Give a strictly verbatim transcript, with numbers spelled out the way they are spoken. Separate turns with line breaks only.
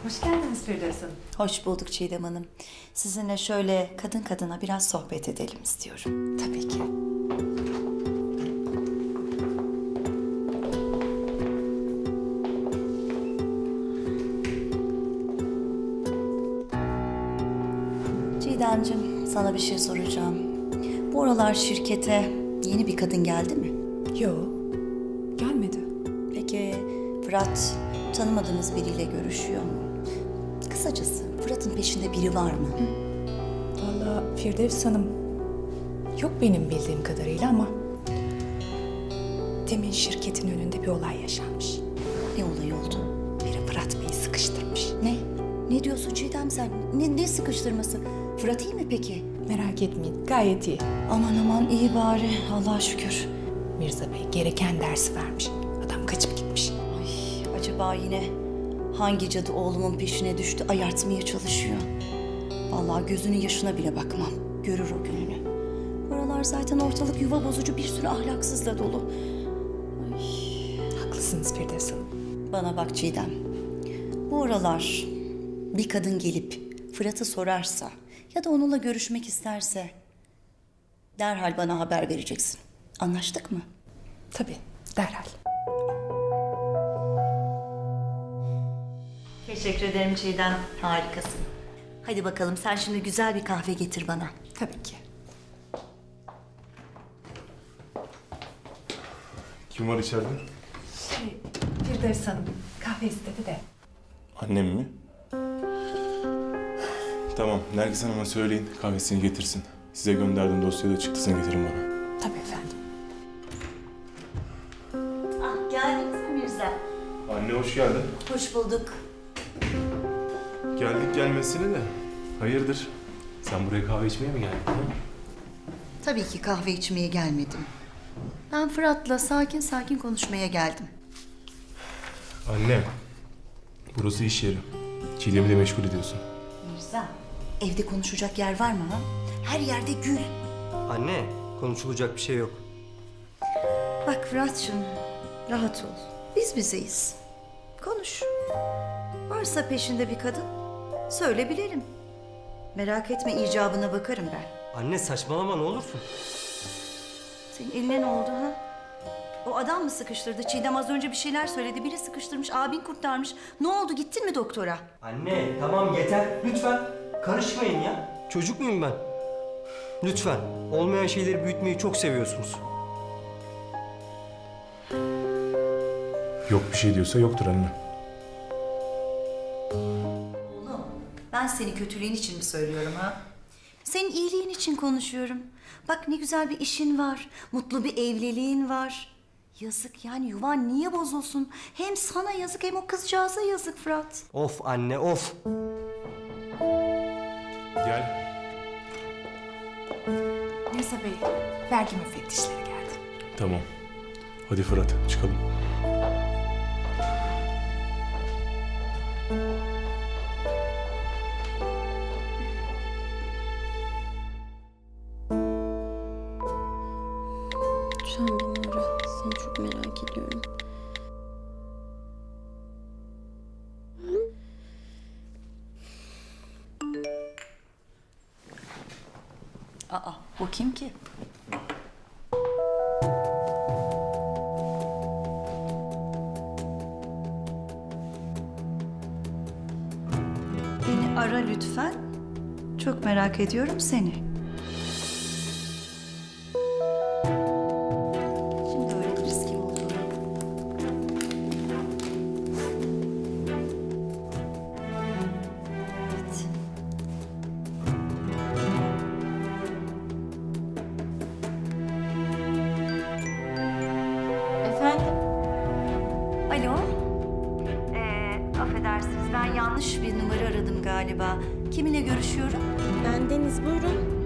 Hoş geldiniz Firdevs Hanım.
Hoş bulduk Çiğdem Hanım. Sizinle şöyle kadın kadına biraz sohbet edelim istiyorum.
Tabii ki.
Çiğdemciğim, sana bir şey soracağım. Bu aralar şirkete yeni bir kadın geldi mi?
Yo, gelmedi.
Peki Fırat tanımadığınız biriyle görüşüyor mu? Kısacası Fırat'ın peşinde biri var mı?
Vallahi Firdevs Hanım, yok benim bildiğim kadarıyla ama... Demin şirketin önünde bir olay yaşanmış.
Ne olay oldu?
Biri Fırat Bey'i sıkıştırmış.
Ne? Ne diyorsun Çiğdem sen? Ne, ne sıkıştırması? Fırat iyi mi peki?
Merak etmeyin, gayet iyi.
Aman aman iyi bari, Allah'a şükür.
Mirza Bey gereken dersi vermiş. Adam kaçıp gitmiş.
Ay, acaba yine hangi cadı oğlumun peşine düştü, ayartmaya çalışıyor? Vallahi gözünün yaşına bile bakmam. Görür o gününü. Bu aralar zaten ortalık yuva bozucu bir sürü ahlaksızla dolu.
Haklısınız Firdevs Hanım.
Bana bak Çiğdem. Bu aralar bir kadın gelip Fırat'ı sorarsa ya da onunla görüşmek isterse derhal bana haber vereceksin. Anlaştık mı?
Tabii, derhal.
Teşekkür ederim Çiğdem. Harikasın. Hadi bakalım sen şimdi güzel bir kahve getir bana.
Tabii ki.
Kim var içeride?
Şey, Firdevs Hanım kahve istedi de.
Annem mi? Tamam, Nergis Hanım'a söyleyin kahvesini getirsin. Size gönderdiğim dosyada çıktısını getirin bana.
Tabii efendim.
Ah geldiniz mi Mirza?
Anne hoş geldin.
Hoş bulduk.
Geldik gelmesine de. Hayırdır? Sen buraya kahve içmeye mi geldin? Ha?
Tabii ki kahve içmeye gelmedim. Ben Fırat'la sakin sakin konuşmaya geldim.
Anne, burası iş yeri. Çiğdem'i de meşgul ediyorsun.
Mirza, evde konuşacak yer var mı ha? Her yerde gül.
Anne, konuşulacak bir şey yok.
Bak Fırat'cığım, rahat ol. Biz bizeyiz. Konuş. Varsa peşinde bir kadın, söyle bilelim. Merak etme, icabına bakarım ben.
Anne saçmalama ne olursun.
Senin eline ne oldu ha? O adam mı sıkıştırdı? Çiğdem az önce bir şeyler söyledi. Biri sıkıştırmış, abin kurtarmış. Ne oldu? Gittin mi doktora?
Anne tamam yeter lütfen. Karışmayın ya. Çocuk muyum ben? Lütfen. Olmayan şeyleri büyütmeyi çok seviyorsunuz.
Yok bir şey diyorsa yoktur anne.
Oğlum, ben seni kötülüğün için mi söylüyorum ha? Senin iyiliğin için konuşuyorum. Bak ne güzel bir işin var. Mutlu bir evliliğin var. Yazık yani yuvan niye bozulsun? Hem sana yazık hem o kızcağıza yazık Fırat.
Of anne of.
Gel.
Mirza Bey, vergi müfettişleri geldi.
Tamam. Hadi Fırat çıkalım.
Lütfen beni ara. Seni çok merak ediyorum.
Aa bu kim ki? Beni ara lütfen. Çok merak ediyorum seni. Şimdi öğreniriz kim olduğunu. Evet.
Efendim?
Alo. Ee, affedersiniz ben yanlış bir numara aradım galiba. Kiminle görüşüyorum?
Ben Deniz, buyurun.